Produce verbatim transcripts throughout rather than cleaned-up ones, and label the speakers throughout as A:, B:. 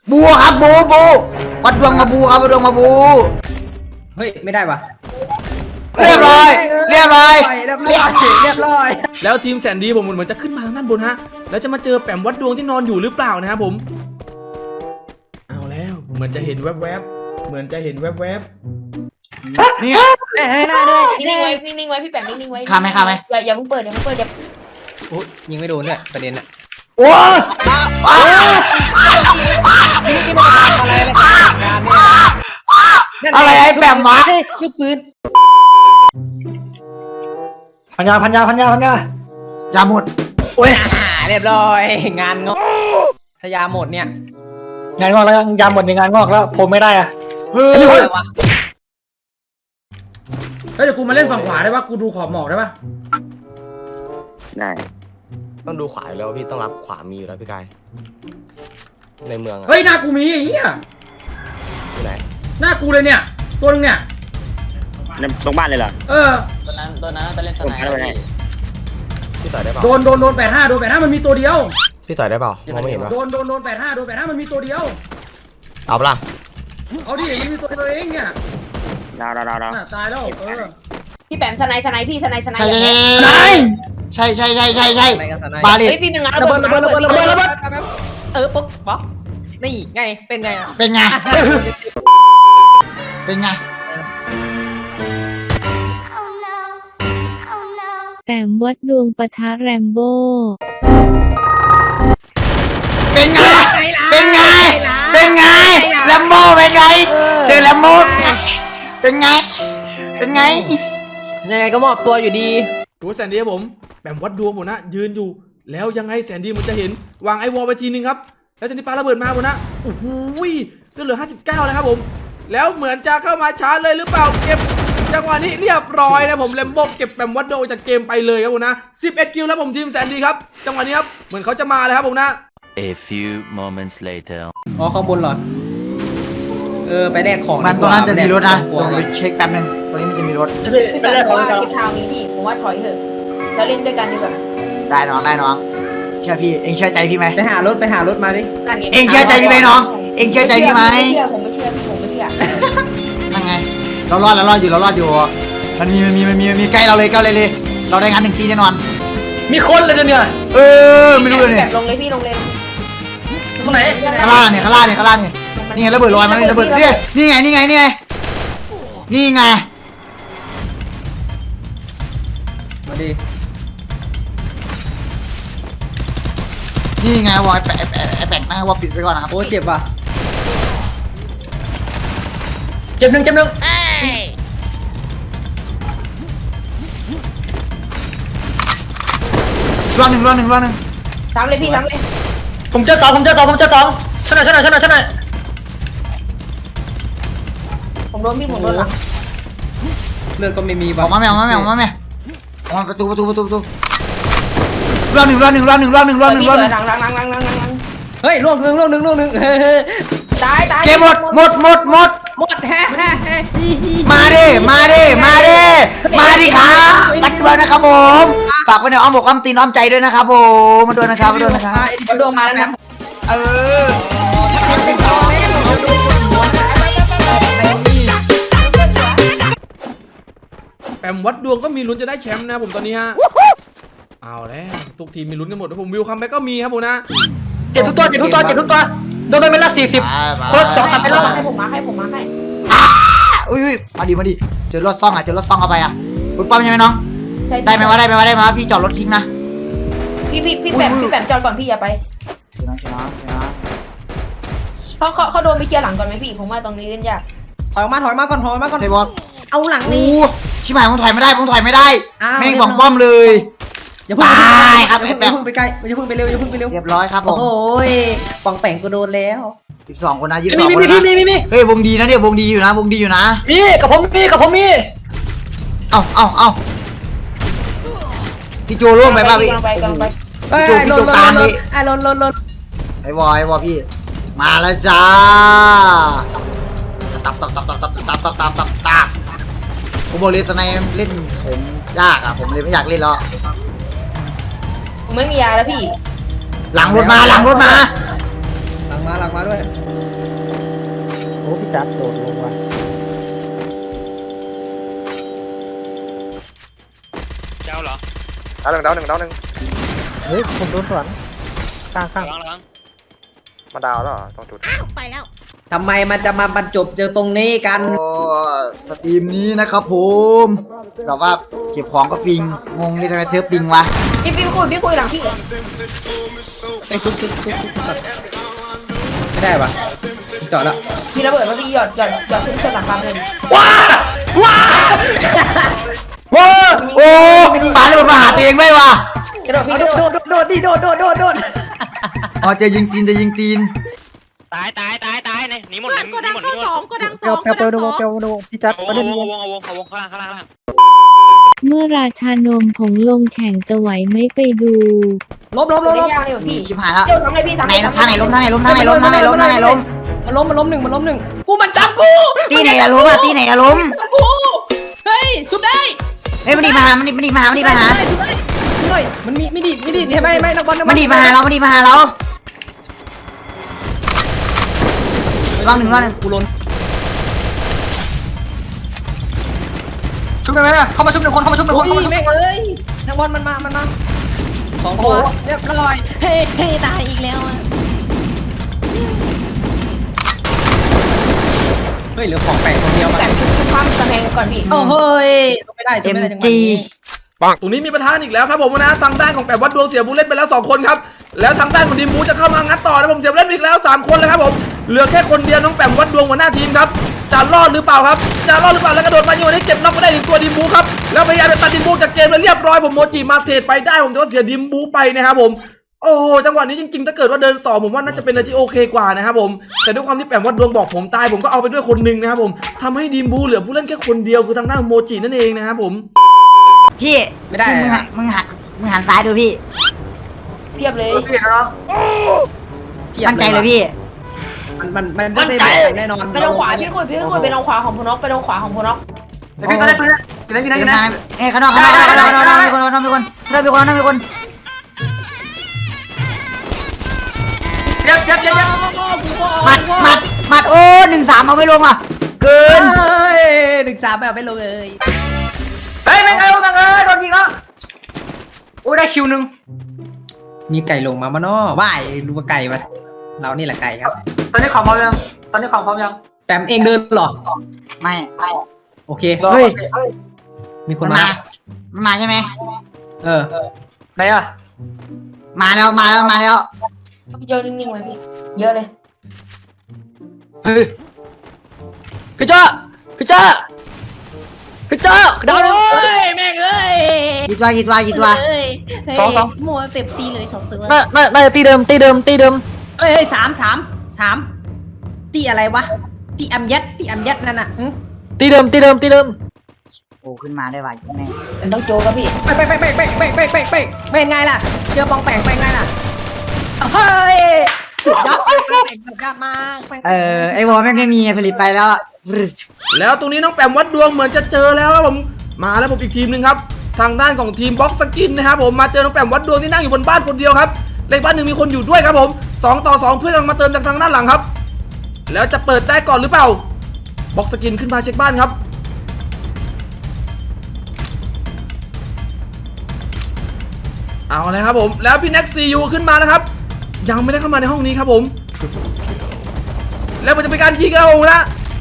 A: บูครับบูบูวัดดวงมาบูครับวัดดวงมาบู
B: เฮ้ยไม่ได้ปะ
A: เรียบร้อยเรียบร้อย
B: เรียบร้อยเรียบร้อย
C: แล้วทีมแสนดีผมเหมือนจะขึ้นมาทางด้านบนฮะแล้วจะมาเจอแปมวัดดวงที่นอนอยู่หรือเปล่านะครับผมเอาแล้วเหมือนจะเห็นแวบๆเหมือนจะเห็นแวบ
A: ๆเนี่ย
D: นิ่งไว้นิ่งไว้พี่แปมนิ่งไว้
A: ข้าไหมข้าไหม
D: อย่าอย่าเพิ่งเปิดอย่าเพิ่งเปิดอย่า
B: โอ้ยิงไม่โดนเนี่ยประเด็นอะ
A: โอ้อะไรไอ้แปมวะ
B: ลูกปืน
E: พันยาพันยาพันยาพันยา
A: อย่าหมด
B: โอ้ยเรียบร้อยงานงอกถ้ายาหมดเนี่ย
E: งานงอกแล้วยาหมดในงานงอกแล้วผมไม่ได้อะ
A: เฮ้ย
C: เฮ้ยเดี๋ยวกูมาเล่นฝั่งขวาได้ปะกูดูขอบหมอกได้ปะ
F: ได้ต้องดูขวาแล้วพี่ต้องรับขวามีอยู่แล้วพี่กายในเมือง
C: เฮ้ยหน้ากูมีไอ้เหี้ย
F: ที่ไหน
C: หน้ากูเลยเนี่ยตัวนึงเนี่ย
F: ตรงบ้านเลยเหรอ
C: เออ
D: ตัวนั้นตัวนั้นจะเล่นสไนเปอร์
F: พี่ต่อยได้เปล่า
C: โดนโดนโดนแปดห้าโดนแปดห้ามันมีตัวเดียว
F: พี่ต่อยได้เปล่ามองไม่เห็นวะ
C: โดนโดนโดนแปดห้าโดนแปดห้ามันมีตัวเดียว
F: เอาปะล่ะ
C: เอาดิมันมีตัวเดียวเองเนี่ย
F: ดาวดาวดาวดาว
C: ตายแล้วเออ
D: พี่แปมสไนสไนพี่สไนสไน
A: ใช่ใช่ใช่ใช่ใช่ใช่บาเลต
D: เฮ้ยพี่เป็นงานระเบิดระเบิดระเบิดระเบิดระเบิด
B: เออปุ๊บป๊อกนี่ไงเป็นไง
A: เป็นไงเป็นไง
G: แปมวัดดวงปะทะแรมโบ้
A: เป็นไงเป็นไงเป็นไงแรมโบ้เป็นไงเจอแรมโบ้เป็นไงเป็นไง
B: ยังไงก็มอบตัวอยู่ดี
C: ตัวแสนดีผมแปมวัดดวงผมนะยืนอยู่แล้วยังไงแสนดีมันจะเห็นวางไอวอลไปทีนึงครับแล้วจะนี่ปาระเบิดมาผมนะโอ้โหเหลือห้าสิบเก้าแล้วครับผมแล้วเหมือนจะเข้ามาชาร์จเลยหรือเปล่าเก็บจังหวะนี้เรียบร้อยนะผมแรมโบ้เก็บแปมวัดดวงจากเกมไปเลยครับผมนะสิบเอ็ดคิวแล้วผมทีมแสนดีครับจังหวะนี้ครับเหมือนเขาจะมาเลยครับผมนะ
H: A few moments later
B: อ๋อข้างบนเหรอเออไปแลกของ
A: มันตรงนั้นจะมีรถนะลองไปเช็คแป๊บนึงตรงนี้มันจะมีรถ
D: พี่แปมบอกว่าคลิปทาวนี้พี่ผมว่าถอยเถอะแล้วเล่นด้วยกันดีกว่า
A: ได้น้องได้น้องเชื่อพี่เอ็งเชื่อใจพี่ไหม
B: ไปหารถไปหารถมาดิ
A: เอ็งเชื่อใจพี่ไหมน้องเอ็งเชื่อใจพี่ไหม
D: ผมไม่เชื่อพี่ผมไม่เชื่อ
A: นั่นไงเรารอดเรารอดอยู่เรารอดอยู่มันมีมันมีมันมีมันมีใกล้เราเลยใกล้เลยเลยเราได้งานหนึ่งตีแน่นอน
E: มีคนเลยเนี่ย
A: เออไม่รู้เลยเนี่ย
D: ลงเลยพี่ลงเลย
E: ตรงไหน
A: ข้างล่างเนี่ยข้างล่างเนี่ยข้างล่างเนี่ยนี่ไงระเบิดลอยมันระเบิดเนี่ยนี่ไงนี่ไงนี่ไงนี่ไง
B: มาดิ
A: นี่ไงวอยแปะแปะแปะนะว่าปิดไปก่อนนะครับ
B: โอ้เจ็บว่ะ
E: เจ็บหนึ่งเจ็บหนึ่ง
A: รอบหนึ่งรอบหนึ่งรอบหนึ่ง
D: ซ้ำเลยพี่ซ้ำเลย
E: ผมเจอสองผมเจอสองผมเจอสองชนะชนะชนะชนะ
D: ผมโดนพี่ผมโดนหลัง
B: เลือดก็ไม่มี
A: ออกมาแม่ออกมาแม่ออกมาแม่ออกมาประตูประตูประตูประตูรอบหนึ่งรอบหนึ่งรอบหนึ่งรอบหนึ่งรอบหนึ่งรอบหนึ่ง
D: หลังหลังหลังหลังหลังหลัง
B: เฮ้ยล่วงหนึ่งล่วงหนึ่งล่วงหนึ่ง
D: ตายตาย
A: เกมหมดหมดหมดหมด
B: หมดแฮะ
A: มาดิมาดิมาดิมาดิครับมาด้วยนะครับผมฝากไว้ในอ้อมอกอ้อมตีนอ้อมใจด้วยนะครับผมมาด้วยนะครับมาด้วยนะครับ
D: มาดวงมาแล้วนะ
A: เออ
C: แปมวัดดวงก็มีลุ้นจะได้แชมป์นะผมตอนนี้ฮะเอาแล้วทุกทีมมีลุ้นกันหมดผมวิวคัมแบ็กก็มีครับผมนะ
E: เจ็บทุกตัวเจ็บทุกตัวเจ็บทุกตัวโดนไปเป็นละสี่สิบคนสองสามเป็นละ
D: ให้ผมมาให้ผมมาให้
A: อุ้ยมาดิมาดิเจอรถซ่องอ่ะเจอรถซ่องเข้าไปอ่ะคุณป้อมใช่ไหมน้องได้ไหมว่าได้ไหมว่าได้ไหมพี่จอดรถทิ้งนะ
D: พี่พี่พี่แปมพี่แปมจอดก่อนพี่อย่าไป
A: ชนะชนะชนะ
D: เขาเขาเขาโดนไปเคลียร์หลังก่อนไหมพี่ผมว่าตรงนี้เล่นยาก
B: ถอยมาถอยมาก่อนถอยมาก่อน
A: เทบอล
B: เอาหลังนี้
A: ชิบหายผมถอยไม่ได้ผมถอยไม่ได้แม่งสองป้อมเลย
B: อย่าเพิ่งไปครับอย่าเพิ่งไปใกล้อย่าเพิ่งไปเร็วอย่าเพิ่งไปเร็ว
A: เรียบร้อยครับผม
B: โอ้ยปองแป่งกูโดนแล้ว
A: สิบสองคนนะยี่สิบสองคนนะเฮ้ยวงดีนะเนี่ยวงดีอยู่นะวงดีอยู่นะ
E: มีกับผมมีกับผมมี
A: เอ้าเอ้าเอ้าพี่โจร่วงไปป่ะพี่
B: พี่โจพี่โจตามพี่ไอ้ลนลนลน
A: ไอ้วอไอ้วอพี่มาแล้วจ้าตับตับตับตับตับตับตับตับตับตับผมบอกเลยสไนเล่นผมยากอ่ะผมเลยไม่อยากเล่นแล้ว
D: ผมไม่มียาแล้วพี่
A: หลังรถมาหลังรถมา
B: มาหลังมาด้วย
E: โอ้พี่จัดโดดลงว่ะ
I: เจ้าเหรอ
F: ดาวหนึ่งดาวหนึ่งดาวหนึ่ง
E: เฮ้ยผมโดนสวนข้างข้าง
I: ระวังระวัง
F: มาดาวแล้วเหรอตรงจุด
B: ทำไมมันจะมาบรรจบเจอตรงนี้กัน
A: โอ้สตรีมนี้นะครับผมแบบว่าเก็บของก็ปิงงงเลยทำไมเซิร์ฟปิงวะ
D: พี่พี่คุยพี่คุยหลังพี่
B: ไอ้ซุกซุกซุกซุกไม่ได้ปะจอดแล้ว
D: มีระเบิดมาพี่หยอดหยอดหยอดขึ้นชนหลังคาเลย
E: ว้าว้าว้า
A: โอ้ปาเลยมาหาตัวเองไม่วะ
D: กระโดดพี่ก
B: โด
D: ระโด
B: ด
D: ด
B: โดดโดดดิโดดโดดโดดโดด
A: อ๋อจะยิงตีนจะยิงตีน
I: ตายตายตายตายเนี่ยหนีหมดหนี
J: โกดัง
I: หมดห
J: เข้า
I: นีหมด
J: สองโกดังส
E: เปีย
J: อ
E: ว
J: ง
E: เปียว
J: โก
E: เปี
J: ดั
E: ยว
J: ง
E: เปียว
J: สอง
E: เปียวพี่จัด
I: เอา
E: ประ
I: ว
E: เด็
I: ง
E: น
I: เอาวงเอาวงเอาวงข้างล่างข้างล่างข้างล่าง
G: เมื่อราชานมผงลงแข่งจะไหวไหม่ไปดู
B: ล้มล้มล้ม
D: ไม่
B: ล้ม
D: ยากเลยพี่
A: ชิบหายแล้ว
D: เดี๋ยวทำไงพี่ทำ
A: ไหนทางไหนล้มทางไหนล้มทางไหนล้มทางไหนล้มทางไหนล้ม
B: มันล้มมันล้มหนึ่งมันล้มหนึ่งกูมันจับกู
A: ตีไหนอะล้มอะตีไหนอะล้ม
B: จับกูเฮ้ยชุบได้
A: เฮ้ยมันดีมาหามันดีมันดีมาหามันดีมาหา
B: ชุบได้ชุบได้หน่อยมันมีไม่ดีไม่ดีไม่ไม่นักบอลนักบอล
A: มันดีมาหาเรามันดีมาหาเรารอบหนึ่งรอบหนึ่ง
B: กูล้น
E: ชุบได้ไหมนะเข้ามาชุบหนึ่งคนเข้ามาชุบหนึ่ง
B: โอ้
E: คนเข้ามาชุบ
B: ยแม่งเอ้ยนักบอลมันมามันมาสองตัวเรียบร้อยเฮ้เฮ้ตายอีกแล้วอ่ะเฮ้ยเหลือของแปลกคนเดียวมา
D: แต่งชุดความกำแพงก่อนพี่
B: โอ้เฮ้ยไม่ได้
A: เอ็ม
B: ไม่ได้จังหวะ
A: จี
B: นี้
C: ตรงนี้มีประธานอีกแล้วครับผมนะทางด้านของแปดวัดดวงเสียบูเล่นไปแล้วสองคนครับแล้วทางด้านของทีมบูจะเข้ามางัดต่อนะผมเสียบูเล่นอีกแล้วสามคนเลยครับผมเหลือแค่คนเดียวน้องแปมวัดดวงหัวหน้าทีมครับจะรอดหรือเปล่าครับจะรอดหรือเปล่าแล้วกระโดดมายิงวันนี้เก็บน็อกไปได้ถึงตัวทีมบูครับแล้วพยายามจะตัดทีมบูจากเกมไปเรียบร้อยผมโมจิมาเทรดไปได้ผมจะว่าเสียทีมบูไปนะครับผมโอ้โหจังหวะนี้จริงๆถ้าเกิดว่าเดินสองผมว่าน่าจะเป็นอะไรที่โอเคกว่านะครับผมแต่ด้วยความที่แปมวัดดวงบอกผมตายผมก็เอาไปด้วยคนหนึ่งนะครับผมทำให้ทีมบูเหลือผู้เล่นแค่คนเดียวคือทางด้านโมจินั่นเองนะครับผม
A: พี่
B: ไม่ได้
A: มึงหันมึงหันมึงหันซ้ายดูพี่
D: เพียบเลย
E: พี่เนาะ
A: มั่นใจเลยพี่
B: มันมันมันไม่ได้แน่นอน
D: ไปทางขวาพี่คุยพี่คุยไปทางขวาของพนกไปทางขวาของพนก
E: เดี๋ยวพี่ก็ได้ปืนกินได้กินได้กินได้
A: เอ้ยข้างนอกข้างนอกข้างนอกข้างนอกข้างนอกมีคนข้างนอกมีคนข้างนอกมีคนข้างนอกมีคน
E: เจ็บเจ็บเจ็บเจ็บ
A: หมัดหมัดหมัดโอ้หนึ่งสามเอาไม่ลงอ่ะเกิน
B: เฮ้ยหนึ่งสามแบบไม่ลงเลย
E: เฮ้ยแม่งเอ้ยแม่งเอ้ยโดนยิงแล้วโอ้ยได้คิวหนึ่ง
B: มีไก่ลงมามาเนาะว่ายรู้ว่าไก่มาเรานี่แหละไก่ครับ
E: ตอนนี้ของพร้อมยังตอนนี้ของพร้อมยัง
B: แปมเองเดินหรอ
A: ไม่ไม่
B: โอเค
A: เฮ้ย
B: มีค
A: มัน น
B: มา
A: มามันมาใช่ไหม
B: เออ
E: ไหนอ่ะ
A: มาแล้วมาแล้วมาแล้ว
D: เยอะนิ่งๆเลยพี่เยอะเลย
E: เฮ้ยพี่จ้าพี่จ้าพี่จ้าดาวเลย
J: เฮ้ยแม่งเอ้ย
A: กี่ตัวกี่ตัวกี่ตัว
J: เฮ้ย
E: สองสอง
J: มัวเต็มตีเลยสองตัว
E: น่าน่าน่าจะตีเดิมตีเดิมตีเดิม
B: เฮ้ยสามสามสามตีอะไรวะตีอัมยัดตีอัมยัดนั่นน่ะ
E: ตีเดิมตีเดิมตีเดิม
A: โอ้ขึ้นมาได้ว่ะแม่
D: มันต้องโจกับพี่
B: ไปไปไปไปไปไปไปไปไปเป็นไงล่ะเจอปองแปงไปไงล่ะเฮ้ยสุดยอดสุดยอดมาก
A: เออไอ้วอลแม่งไม่มีไงผลิตไปแล้วอะ
C: แล้วตรงนี้น้องแปมวัดดวงเหมือนจะเจอแล้วครับผมมาแล้วผมอีกทีมหนึ่งครับทางด้านของทีมบ็อกสกินนะครับผมมาเจอน้องแปมวัดดวงที่นั่งอยู่บนบ้านคนเดียวครับในบ้านหนึ่งมีคนอยู่ด้วยครับผมสองต่อสองเพื่อนกำลังมาเติมจากทางด้านหลังครับ แล้วจะเปิดได้ก่อนหรือเปล่าบ็อกสกินขึ้นมาเช็คบ้านครับเอาเลยครับผมแล้วพี่แน็กซียูขึ้นมาแล้วครับยังไม่ได้เข้ามาในห้องนี้ครับผมแล้วมันจะเป็นการยิงครับผมนะ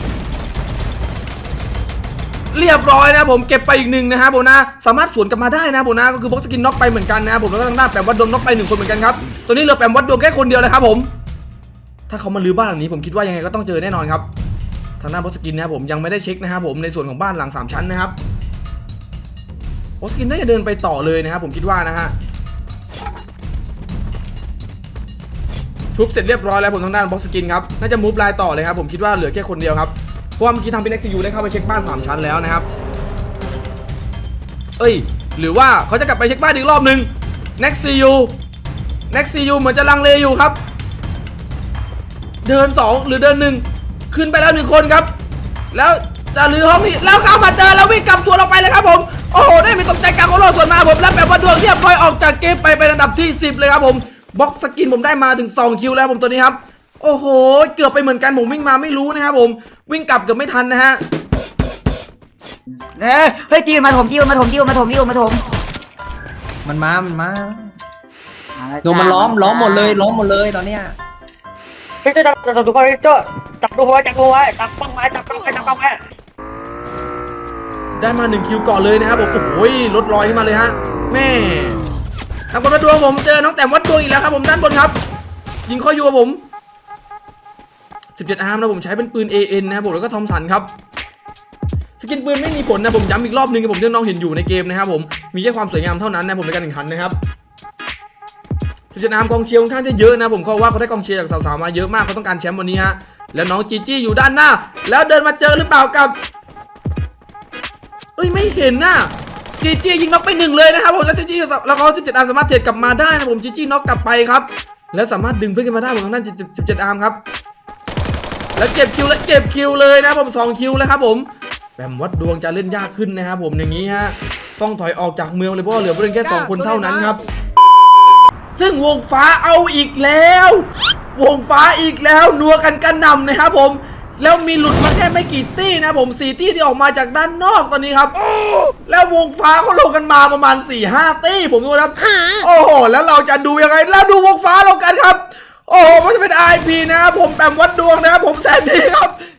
C: เรียบร้อยนะผมเก็บไปอีกหนึ่งนะครับผมนะสามารถสวนกลับมาได้นะผมนะก็คือบ็อกสกินน็อกไปเหมือนกันนะครับผมแล้วก็ทางด้านแปมวัดดวงน็อกไปหนึ่งคนเหมือนกันครับตัวนี้เหลือแปมวัดดวงแค่คนเดียวเลยครับผมถ้าเขามาลื้อบ้านหลังนี้ผมคิดว่ายังไงก็ต้องเจอแน่นอนครับทางด้านบ็อกสกินนะครับผมยังไม่ได้เช็คนะครับผมในส่วนของบ้านหลังสามชั้นนะครับบ็อกสกินน่าจะเดินไปต่อเลยนะครับผมคิดว่านะฮะชุบเสร็จเรียบร้อยแล้วผมทางด้านบ็อกสกินครับน่าจะมูฟไลน์ต่อเลยครับผมคิดว่าเหลือแค่คนเดียวครับเพราะว่าเมื่อกี้ทางพี่เน็กซียูได้เข้าไปเช็คบ้านสามชั้นแล้วนะครับเอ้ยหรือว่าเขาจะกลับไปเช็คบ้านอีกรอบนึงเน็กซียูเน็กซียูเหมือนจะลังเลอยู่ครับเดินสองหรือเดินหนึ่งขึ้นไปแล้วหนึ่งคนครับแล้วจะลื้อห้องนี้แล้วเข้ามาเจอแล้ววิ่งกลับตัวเราไปเลยครับผมโอ้โหได้มีตกใจกลางของโลกส่วนมาผมแล้วแบบว่าดวงเรียบร้อยออกจากเกมไปเป็นอันดับที่สิบเลยครับผมบ็อกสกินผมได้มาถึงสองคิวแล้วผมตัวนี้ครับโอ้โหเกือบไปเหมือนกันผมวิ่งมาไม่รู้นะครับผมวิ่งกลับเกือบไม่ทันนะฮะ
A: เอ้ยเฮ้ยตีมันมาถมตีมันมาถมตีมันมาถมตีมันมาถม
B: มันมา มันมาโดนมันล้อมล้อมหมดเลยล้อมหมดเลยตอนเนี้ย
E: พี่โจ้จับจับตัวพี่โจ้จับตัวไว้จับตัวไว้จับป้องไว้จับป้องไว้จับป้องไว้
C: ได้มาหนึ่งคิวก่อนเลยนะครับผมโอ้ยลดรอยขึ้นมาเลยฮะแม่ทางคนวัดดวงผมเจอน้องแต้มวัดดวงอีกแล้วครับผมด้านบนครับยิงข้ออยู่กับผมสิบเจ็ดอาร์มนะผมใช้เป็นปืน เอ เอ็น นะครับผมแล้วก็ทอมสันครับสกินปืนไม่มีผลนะผมย้ำอีกรอบนึงครับผมที่น้องเห็นอยู่ในเกมนะครับผมมีแค่ความสวยงามเท่านั้นนะผมในการแข่งขันนะครับสิบเจ็ดอาร์มกองเชียร์ค่อนข้างจะเยอะนะผมเขาว่าเขาได้กองเชียร์จากสาวๆมาเยอะมากเขาต้องการแชมป์วันนี้ฮะแล้วน้องจีจี้อยู่ด้านหน้าแล้วเดินมาเจอหรือเปล่ากับเอ้ยไม่เห็นน่ะจีจี้ยิงน็อกไปหนึ่งเลยนะครับผมแล้วจีจี้แล้วเขาสิบเจ็ดอาร์มสามารถเทรดกลับมาได้นะผมจีจี้น็อกกลับไปครับแล้วสามารถดึงเพื่อนขึ้นมาได้ผมทางด้านสิบเจ็ดอาร์มครับแล้วเก็บคิวแล้วเก็บคิวเลยนะผมสองคิวแล้วครับผมแบมวัดดวงจะเล่นยากขึ้นนะครับผมอย่างนี้ฮะต้องถอยออกจากเมืองเลยเพราะเหลือผู้เล่นแค่สองคนเท่านั้นครับซึ่งวงฟ้าเอาอีกแล้ววงฟ้าอีกแล้วนัวกันกระหน่ำนะครับผมแล้วมีหลุดมาแค่ไม่กี่ตี้นะผมสี่ตี้ที่ออกมาจากด้านนอกตอนนี้ครับแล้ววงฟ้าเขาลงกันมาประมาณ สี่ห้า ตี้ผมดูครับโอ้โหแล้วเราจะดูยังไงแล้วดูวงฟ้าลงกันครับโอ้โหมันจะเป็น ไอ พี นะครับผมแบมวัดดวงนะครับผมแซนดี้ครับ